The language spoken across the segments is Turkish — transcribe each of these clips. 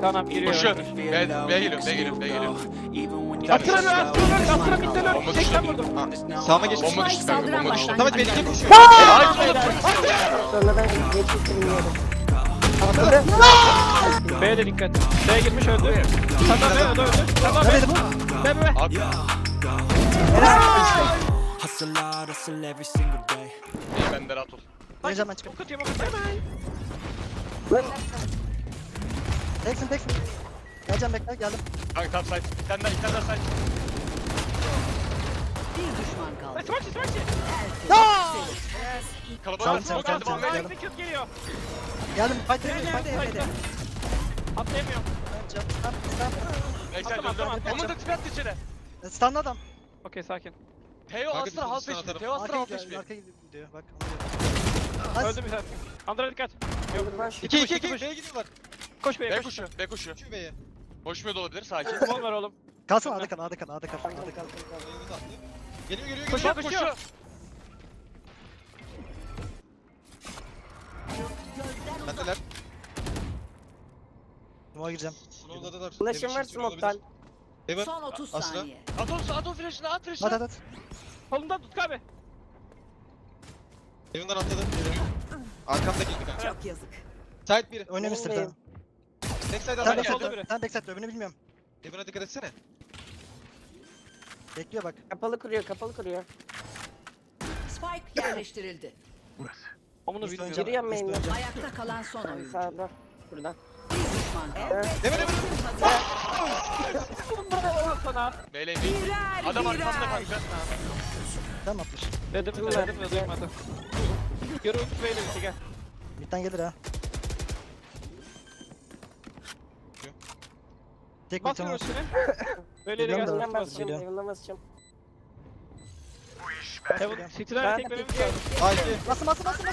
Tamam giriyor. Koşuyor. B geliyor. Astra midde lör. Bomba Çekten düştü. vurdum. Sağıma geç. Bomba düştü kanka. Bomba düştü. Samet beni koşuyor. Hayır oğlum. Sonradan geçmiştim bilmiyorum. B'ye de dikkat. B'ye girmiş öldü. Senden B, o da öldü. Senden Nerede bu? B. Abi. Hustle hard, hustle every single day. İyi ben de rahat ol. Ne zaman çıkıp? Ok atayım, ok atayım. Teksin. Geleceğim bekle geldim. Kanka tam side. Bir tane daha side. Bir düşman kaldı. Smaçı. Kalabalık. Sağ ol, Geldi sağ ol. bombaya. Execute geliyor. Geldim. Fight evde. Atlayamıyorum. Backside Tamam. döndü. Onun da tipi attı içeri. Stunlı adam. Okey sakin. Teo Astra half HP. Teo Astra half HP. Arkaya gidiyor bak. Öldü bir tane. Andra dikkat. Yok. 2 B'ye gidiyorlar. Koş B'ye B koş. koşuyor. B koşuyor. Şu B'ye. Koşmuyor da olabilir. Sakin. Kumon ver oğlum. Kalsın A'da kal. Geliyor. Koşuyor. Bendeler. Smoke'a gireceğim. Slow'ladılar. Ulaşım var smoke'tan. Evet. Son 30 Asla. saniye. At o flash'ını at flash'ını. At. Kolundan tut abi. Evinden atladı. Arkamda girdi kanka. Çok yazık. Side 1. Oynamış sırada. Oynayayım. Backside Solda aldı. biri. Sen backside öbürünü bilmiyorum. Evine dikkat etsene. Bekliyor bak. Kapalı kuruyor. Spike yerleştirildi. Omunu Üst bilmiyorum. oynayacağım. Giriyorum Üst main'den. oynayacağım. Ayakta kalan son oyuncu. Sağda. Buradan. Bir düşman kaldı. Demir. Sana. Melee değil. Adam arkamda kanka. Tamam atmış. Dedim de duymadım. Yürü ulti B'yle bitti gel. Mid'den gelir ha. Tek Bas mid'den var. üstüne. Böyle de Geliyorum da. gelsin. Evinden basacağım. Geliyorum. Evinden basacağım. Heaven City'den tek benim geldi. Haydi. Basın.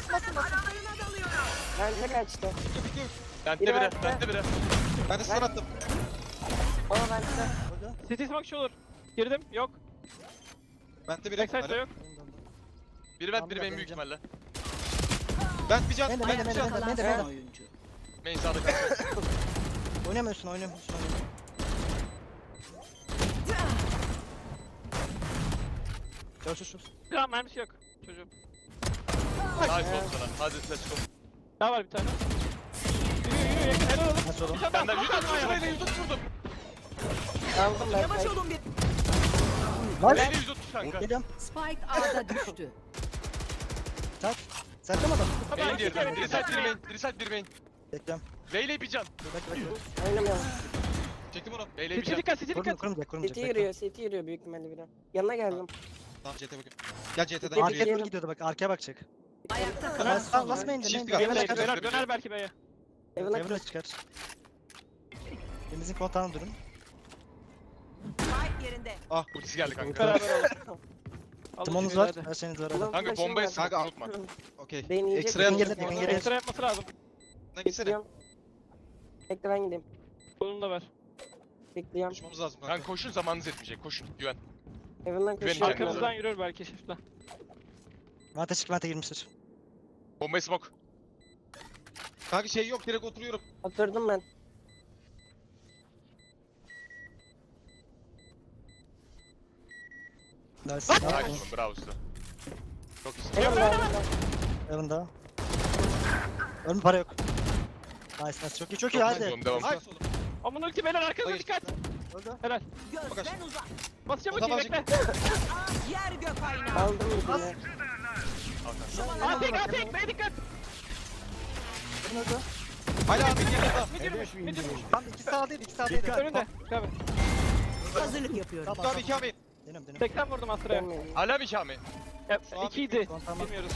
Bence kaçtı. Bende biri. Ben de stun attım. O bence. City smoke şu olur. Girdim. Yok. Ben de Backside'da yok. Biri ben biri benim büyük ihtimalle. Ben bir can. Ayakta kalan son oyuncu. Main sağda kanka. Oynamıyorsun. Çöz. Tamam mermisi yok. Çocuğum. Nice oldu sana. Hadi let's go. Daha var bir tane. Yürü yakın. Helal oğlum. Nasıl oğlum? Bir tane Ben de daha. 130 vurdum. Aldım ben. Lan. Melee 130 kanka. Geliyorum. Spike A'da düştü. Sen de mi adam? Main diğeri. Biri side bir main. Bekliyorum. Veyle bir can. Bekle. Oynamıyorum. Çektim onu. Veyle bir City can. dikkat. City dikkat. Kurmayacak. City yürüyor büyük ihtimalle biri. Yanına geldim. Tamam CT bakın. Gel CT'den Arkaya Arkaya doğru doğru gidiyordu bak. Arkaya bakacak. Ayakta kalan son oyuncu. Basmayın Shift demeyin. gel. Döner belki B'ye. Evinden Evine çıkar. Elimizin kontağını durun. Ultisi geldi kanka. Beraber oğlum. Timonunuz var. Her şeyiniz var. hadi. Kanka bombayı sık unutma. Okey. Beni yiyecek. Ekstra yapacağız. Ekstra yapması lazım. Bekliyorum. Bekle ben gideyim. Bunu da ver. Bekliyorum. Koşmamız lazım Kanka koşun zamanınız yetmeyecek. Koşun. Güven. Evinden Güveneceğim. koşuyorum. Arkamızdan yürür belki shift'le. Vente girmiştir. Bombayı smoke. Kanka şey yok direkt oturuyorum. Oturdum ben. Nice. Nice oğlum. Bravo usta. Çok iyisin. Yanında. Ölüm para yok. Nice. Çok iyi hadi. Oğlum, devam. Aman ulti beyler arkanıza dikkat. Öldü. Helal. Gözden uzak. Basacağım O da ultiyi bekle. Yer gök aynağı. Aldım bir tane. Atek B'ye dikkat. Öldü. Hala abi yanında. Mid yürümüş. Tam iki sağdaydı. Önünde. Abi. Hazırlık yapıyorum. Tamam abi 2 abi. Deniyorum. 80 vurdum Astra'ya. Gelmeyin. Hala bir kami. Şu an 2'ydi. Tamam. Bilmiyoruz.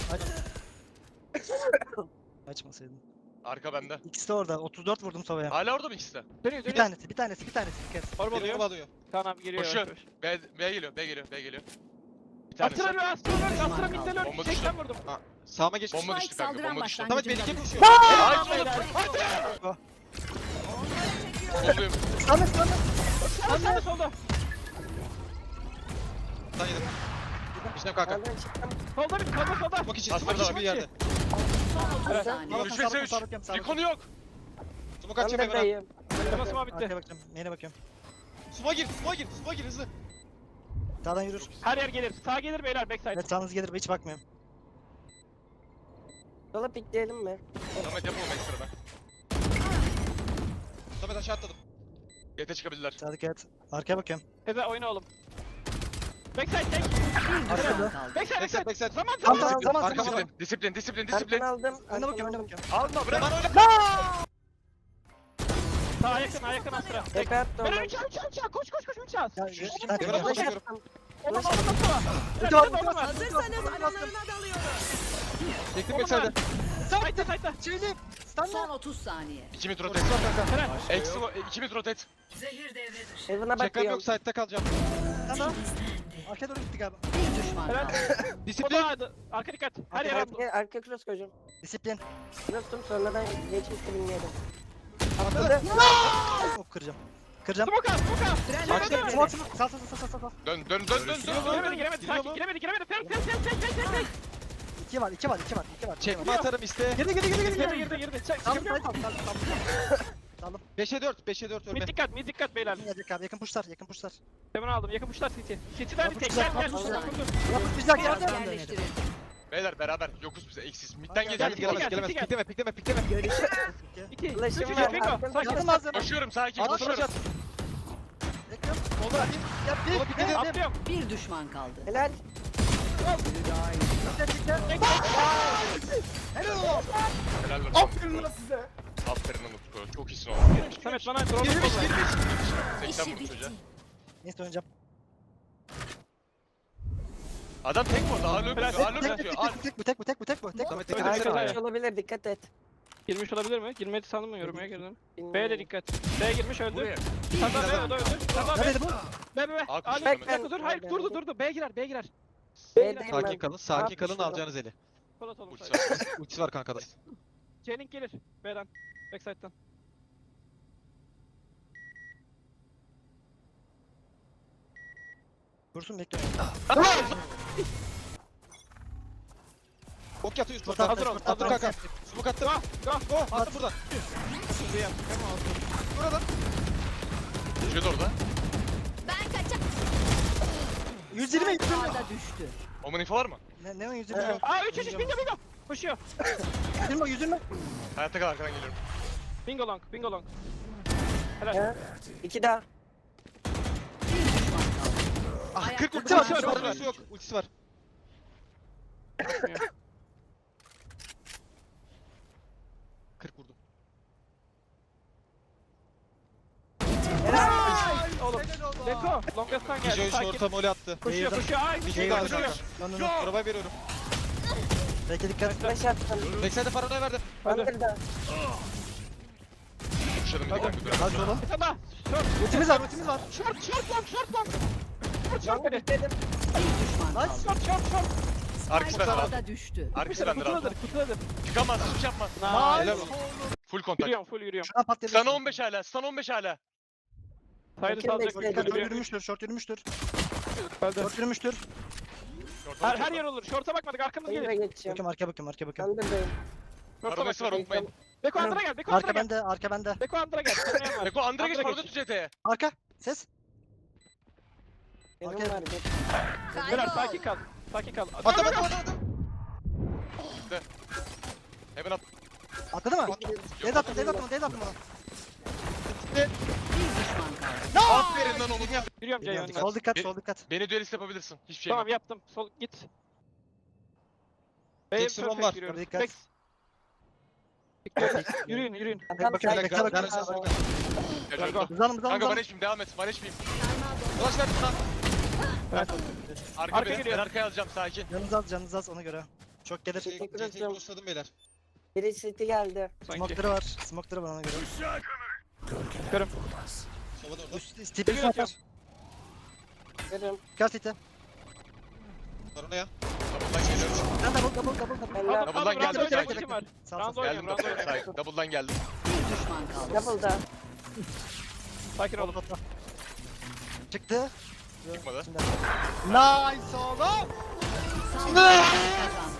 Açmasaydın. Arka bende. İkisi de orada. 34 vurdum Sova'ya. Hala orada mı ikisi de? Dönüyor Bir dönüyor. tanesi. Bir kez. Orba Benim oluyor. alıyor. Kaan abi giriyor. Koşuyor. yavaş yavaş. B geliyor. Bir tanesi. Astra midde lör. Bomba düştü. 80 vurdum. Sağıma geç. Bomba Spike düştü kanka. saldıran Bomba düştü. Samet başlangıcında beni düştü. koşuyor. Nice oğlum. Oluyor. Samet. Astra solda. Sen yedim. İşte kanka. Nereden çıktım? Solda bir solda. Bak için. Aslında Smoke için var. bir yerde. Son 30 Evet. saniye. Görüş ve seviş. Recon yok. Smoke Ben açayım de Emre. dayım. Temasım Arkaya bitti. bakacağım. Main'e bakıyorum. Suma gir, suma gir hızlı. Sağdan yürür. Her yer gelir. Sağ gelir beyler backside. Evet sağınız gelir. Hiç bakmıyorum. Sola pikleyelim mi? Samet yapalım ekstradan. Samet aşağı atladım. Yete çıkabilirler. Sağdaki et. Arkaya bakıyorum. Teze oyna oğlum. Backside tek. Arkada. Backside backside. backside. Zaman Tamam, zaman. tamam. Arkama disiplin. Arkana aldım. Önüne arkana bakıyorum. Önüne aldım. bakıyorum. Alma bırak. Sağa yakın Astra. Tepe attı Beyler onu. 3 koş üç al. Ya, Emre Flash koşuyorum. attım. Oğlum sola. Hazırsanız aralarına dalıyorum. Çektim Oğlum backside'e. Side'da. Çevirdim. Son 30 saniye. 2 mid rotate. Helal. Eksi 2 mid rotate. Zehir devre dışı. Heaven'a Çekmem bakıyorum. yok. Side'de kalacağım. Tamam. Arkaya doğru gitti galiba. Bir düşman Helal. kaldı. Disiplin. Arka dikkat. Her yer Arka, arka cross koyacağım. Disiplin. Cross'tum sonradan geçmişti bilmiyordum. Atladı. Hop kıracağım. Kıracağım. Smoke al. Smoke, smoke, smoke. Sağ. Dön. Giremedi. Sakin. Giremedi. Tek. 2 var. Çekme atarım iste. Girdi. Girdi. Çek. Tamam. 5'e 4 Mid ölme. dikkat beyler. Gelecek abi. Yakın pushlar. Hemen aldım. Yakın puşlar City. City'den bir tek. Yapıştır, Gel. yapıştır. Vurdu. Yapışacak Biraz yerden. yerleştirildi. Beyler beraber yokuz bize eksiz. Midden Gel, gelemez. gel. Pikleme. 2. 3. Flash'ım var. Bingo. Arkana Sakin. Yakın malzeme. Koşuyorum sakin At koşuyorum. flash at. Bekliyorum. Solda atayım. Yap bir. Atlıyorum. Bir düşman kaldı. Helal. Helal olsun. Aferin lan size. Aferin lan Utku. Çok iyisin oğlum. Samet bana drone Girmiş. kolla. 80 vurdu çocuğa. Neyse oynayacağım. Adam tek vurdu. Ağırlığı Flash. atıyor. Bu tek. Samet Evet, tek evet. Arka olabilir dikkat et. Girmiş olabilir mi? Girmedi sandım mı? Yorumaya girdim. Bilmiyorum. B'ye de dikkat. B'ye girmiş öldü. Sağda B o da öldü. Sağda B. Nerede bu? B. Aa, Ali koşuyor bir dakika dur. Hayır Ben- durdu. B girer. B'deyim Sakin ben. kalın. Sakin kalın, alacağınız eli. Polat oğlum. Ultisi var. Ultisi var kankada. J-Link gelir. B'den. Backside'dan. Dursun bekliyorum. Ok yatıyor üst Hazır Hazır ol. Attım kanka. Smoke attım. Go. Attım buradan. Şuraya. Buradan. Düşüyordu orada. 120. Ağda düştü. Omun info var mı? Ne o 120? Aa 3 bingo. Koşuyor. 120. Hayatta kal arkadan geliyorum. Bingo long. Helal. Ha? İki daha. Bir düşman kaldı. Ah Ayakta 40 ultisi kalan var. son Ultisi oyuncu. yok. Ultisi var. 40 vurdum. Oğlum. Deko. Longest'tan geldi. Joy Sakin. short'a mole attı. Koşuyor. Ay. Bir şey Koşuyor. kaldı kanka. Arabaya veriyorum. Belki dikkat et. Flash attım. Backside'e paranoya verdim. Under'da. Kuşladım bir dakika. Hadi oğlum. Bir tane daha. Short. Ultimiz var. Short long. Long pikledim. Bir düşman kaldı. Short. Arkası bende abi. Ağda düştü. Arkası bende abi. Kutuladır. Çıkamaz. Hiçbir şey yapma. Nice. Helal olsun. Full kontak. Full yürüyorum. Şuradan patladı. Sana 15 hala. Sana 15 hala. Saydı Bakayım salacak. bekledim. Short Yürüyor. yürümüştür. Short yürümüştür. Öldü. Short yürümüştür. Her yer olur. Short'a bakmadık. Arkamız Hayır'a gelir. geçeceğim. Arkaya bakıyorum. Under'dayım. Short'a Paranesi var bak. unutmayın. Beko Andra gel. Arka bende. Beko Andra gel. Tanıyan var. Beko Andra geç Andra parada tut CT'ye. Arka. Ses. Heaven Okey. var. Beyler sakin kal. Attım. Hemen at. Atladı mı? Dead attım bana. Bir düşman kaldı. Aferin lan onu. Yürüyorum Ceyhun'la. Sol dikkat. Beni duelist yapabilirsin. Hiçbir şey Tamam yok. yaptım. Sol git. Tek sıvım var. Dikkat. Yürüyün. Tam Bakın, side. bekle, bakın. Kaçırdım. Hızlanım. Kanka bana içmeyeyim devam et. Bana içmeyeyim. Ulaş ver lan. Evet. Arka Arka beni. geliyor. Ben arkaya alacağım sakin. Canınız az ona göre. Çok gelir. CT'yi crossladım beyler. Biri city geldi. Sanki. Smoke'ları var ona göre. Çıkarım. Sobada orada. Tipi Geliyor, atar. Görüyorum. Dikkat city. Paranoya. Double'dan geliyorum. Ben double. Helal. Double'dan geldi. Round Sakin. oynayan var. Sağ Round sağ. oynuyorum. Geldim double'dan. Sakin. Double'dan geldim. Bir düşman kaldı. Double'da. Sakin olun. Çıktı. Çıkmadı. Nice oğlum. Sağ kazandı.